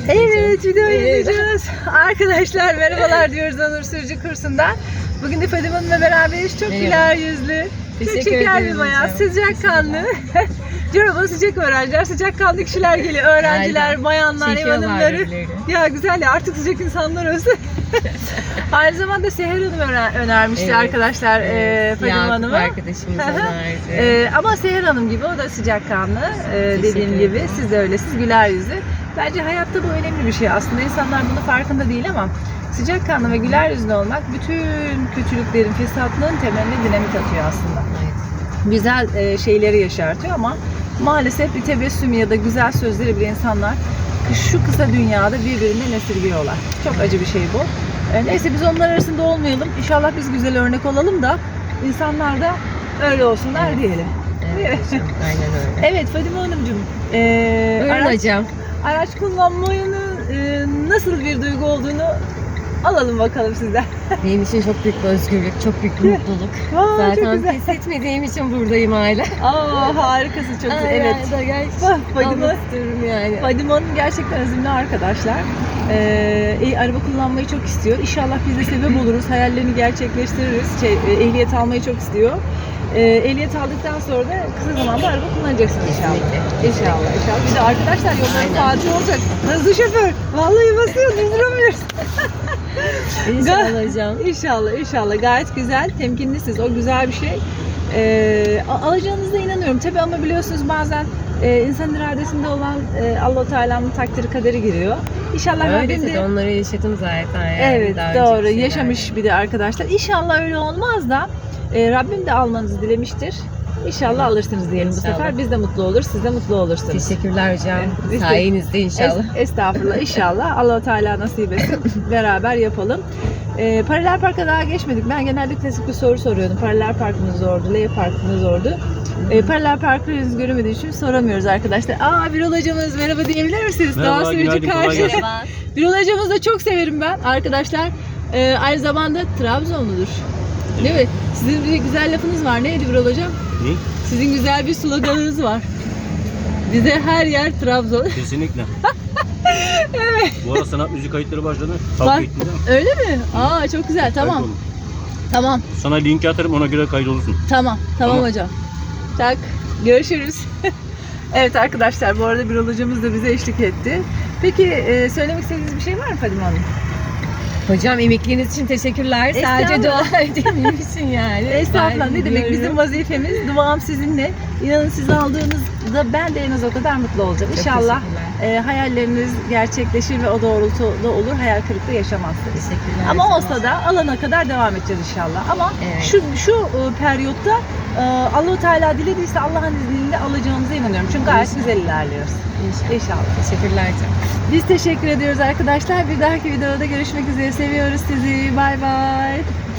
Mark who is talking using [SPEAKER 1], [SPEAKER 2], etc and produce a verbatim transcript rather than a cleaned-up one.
[SPEAKER 1] Evet, video
[SPEAKER 2] Evet.
[SPEAKER 1] izleyeceğiz. Arkadaşlar merhabalar diyoruz Onur Sürücü kursundan. Bugün de Fadime Hanım'la beraberiz. Çok
[SPEAKER 2] Merhaba.
[SPEAKER 1] güler yüzlü, çok
[SPEAKER 2] Teşekkür
[SPEAKER 1] şeker bir
[SPEAKER 2] ederim
[SPEAKER 1] bayağı,
[SPEAKER 2] hocam.
[SPEAKER 1] sıcakkanlı. Diyorum bana sıcak öğrenciler, sıcakkanlı kişiler geliyor. Öğrenciler,
[SPEAKER 2] Aynen.
[SPEAKER 1] bayanlar, ev
[SPEAKER 2] Çekiyorlar
[SPEAKER 1] hanımları.
[SPEAKER 2] birbirlerini.
[SPEAKER 1] Ya güzel ya, artık sıcak insanlar olsun. Aynı zamanda Seher Hanım öner- önermişti
[SPEAKER 2] Evet,
[SPEAKER 1] arkadaşlar
[SPEAKER 2] evet.
[SPEAKER 1] e, Fadime
[SPEAKER 2] Yakup
[SPEAKER 1] Hanım'a.
[SPEAKER 2] arkadaşımız önerdi.
[SPEAKER 1] Ee, ama Seher Hanım gibi o da sıcakkanlı ee, dediğim
[SPEAKER 2] Teşekkür
[SPEAKER 1] gibi
[SPEAKER 2] ederim.
[SPEAKER 1] siz de öylesiniz, güler yüzlü. Bence hayatta bu önemli bir şey aslında, insanlar bunun farkında değil ama sıcakkanlı ve güler yüzlü olmak bütün kötülüklerin, fesatlığın temeline dinamit atıyor aslında.
[SPEAKER 2] Evet.
[SPEAKER 1] Güzel e, şeyleri yaşartıyor ama maalesef bir tebessüm ya da güzel sözleri bile insanlar şu kısa dünyada birbirinden esirgiyorlar. Çok acı bir şey bu. E, neyse biz onlar arasında olmayalım. İnşallah biz güzel örnek olalım da insanlar da öyle olsunlar
[SPEAKER 2] Evet.
[SPEAKER 1] diyelim.
[SPEAKER 2] Evet hocam, aynen öyle.
[SPEAKER 1] Evet Fadime Hanımcığım, e,
[SPEAKER 2] Buyurun
[SPEAKER 1] araç,
[SPEAKER 2] hocam.
[SPEAKER 1] araç kullanmanın e, nasıl bir duygu olduğunu alalım bakalım sizden.
[SPEAKER 2] Benim için çok büyük bir özgürlük, çok büyük bir mutluluk.
[SPEAKER 1] Aa, çok
[SPEAKER 2] Zaten
[SPEAKER 1] güzel.
[SPEAKER 2] pes etmediğim için buradayım hala.
[SPEAKER 1] Aa, harikasın, çok güzel.
[SPEAKER 2] Ay,
[SPEAKER 1] Evet.
[SPEAKER 2] ay, ay,
[SPEAKER 1] Bak, Fadime,
[SPEAKER 2] almak istiyorum yani.
[SPEAKER 1] Fadime Hanım gerçekten azimli arkadaşlar. Ee, e, araba kullanmayı çok istiyor. İnşallah biz de sebep oluruz. Hayallerini gerçekleştiririz. Şey, e, ehliyet almayı çok istiyor. Ee, ehliyet aldıktan sonra da kısa zamanda araba kullanacaksın inşallah.
[SPEAKER 2] Kesinlikle.
[SPEAKER 1] İnşallah, inşallah. Bir de arkadaşlar yolların
[SPEAKER 2] Aynen.
[SPEAKER 1] Fatih olacak. Hızlı şoför. Vallahi basıyor, durduramıyoruz.
[SPEAKER 2] İnşallah hocam.
[SPEAKER 1] İnşallah, inşallah. Gayet güzel, temkinlisiniz. O güzel bir şey. Ee, a- alacağınıza inanıyorum. Tabii ama biliyorsunuz bazen e, insan iradesinde olan e, Allah-u Teala'nın takdiri kaderi giriyor. İnşallah
[SPEAKER 2] Öyle
[SPEAKER 1] Rabbim
[SPEAKER 2] tabii,
[SPEAKER 1] de...
[SPEAKER 2] onları yaşadım zaten yani.
[SPEAKER 1] Evet,
[SPEAKER 2] daha
[SPEAKER 1] doğru.
[SPEAKER 2] önceki
[SPEAKER 1] Yaşamış
[SPEAKER 2] şeylerde.
[SPEAKER 1] bir de arkadaşlar. İnşallah öyle olmaz da e, Rabbim de almanızı dilemiştir. İnşallah alırsınız diyelim bu
[SPEAKER 2] İnşallah.
[SPEAKER 1] sefer. Biz de mutlu olur, siz de mutlu olursunuz.
[SPEAKER 2] Teşekkürler hocam.
[SPEAKER 1] Evet, biz de-
[SPEAKER 2] Sayenizde inşallah.
[SPEAKER 1] Es- estağfurullah, inşallah. Allah-u Teala nasip etsin. Beraber yapalım. Ee, paralel parka daha geçmedik. Ben genelde klasik bir soru soruyordum. Paralel park mı zordu, L park mı zordu? Ee, paralel parkı henüz göremediği için soramıyoruz arkadaşlar. Aa, Birol hocamız merhaba diyebilir misiniz?
[SPEAKER 3] Merhaba,
[SPEAKER 1] Daha sürücü
[SPEAKER 3] günaydın, kolay
[SPEAKER 1] karşı.
[SPEAKER 3] gelsin.
[SPEAKER 2] Merhaba.
[SPEAKER 1] Birol hocamızı da çok severim ben arkadaşlar. Ee, aynı zamanda Trabzonludur. Değil mi? Sizin bir güzel lafınız var. Neydi Birol hocam?
[SPEAKER 3] Ne?
[SPEAKER 1] Sizin güzel bir sloganınız var. Bize her yer Trabzon.
[SPEAKER 3] Kesinlikle. Evet. Bu ara sanat müzik kayıtları başladı.
[SPEAKER 1] Bak,
[SPEAKER 3] Takip ettin değil mi?
[SPEAKER 1] öyle mi? Aa, çok güzel. Tamam.
[SPEAKER 3] Kayıt olun.
[SPEAKER 1] Tamam.
[SPEAKER 3] Sana linki atarım, ona göre kayıt olursun.
[SPEAKER 1] Tamam, tamam,
[SPEAKER 3] Tamam.
[SPEAKER 1] hocam. Tak, görüşürüz. Evet arkadaşlar, bu arada Birol hocamız da bize eşlik etti. Peki e, söylemek istediğiniz bir şey var mı Fadime Hanım?
[SPEAKER 2] Hocam emekliğiniz için teşekkürler. Sadece
[SPEAKER 1] Estağfurullah.
[SPEAKER 2] dua edeyim için yani.
[SPEAKER 1] Estağfurullah,
[SPEAKER 2] Ben
[SPEAKER 1] ne demek,
[SPEAKER 2] biliyorum.
[SPEAKER 1] bizim vazifemiz, duam sizinle. İnanın siz aldığınızda ben de en az o kadar mutlu olacağım.
[SPEAKER 2] Çok
[SPEAKER 1] İnşallah
[SPEAKER 2] teşekkürler.
[SPEAKER 1] e, hayalleriniz gerçekleşir ve o doğrultuda olur, hayal kırıklığı yaşamazsınız.
[SPEAKER 2] Teşekkürler.
[SPEAKER 1] Ama olsa da alana kadar devam edeceğiz inşallah. Ama
[SPEAKER 2] Evet.
[SPEAKER 1] şu şu e, periyotta e, Allah-u Teala dilediyse Allah'ın izniyle alacağımıza inanıyorum. Çünkü gayet
[SPEAKER 2] İnşallah.
[SPEAKER 1] güzel ilerliyoruz.
[SPEAKER 2] İnşallah.
[SPEAKER 1] İnşallah.
[SPEAKER 2] Teşekkürler hocam.
[SPEAKER 1] Biz teşekkür ediyoruz arkadaşlar. Bir dahaki videoda görüşmek üzere. Seviyoruz sizi. Bay bay.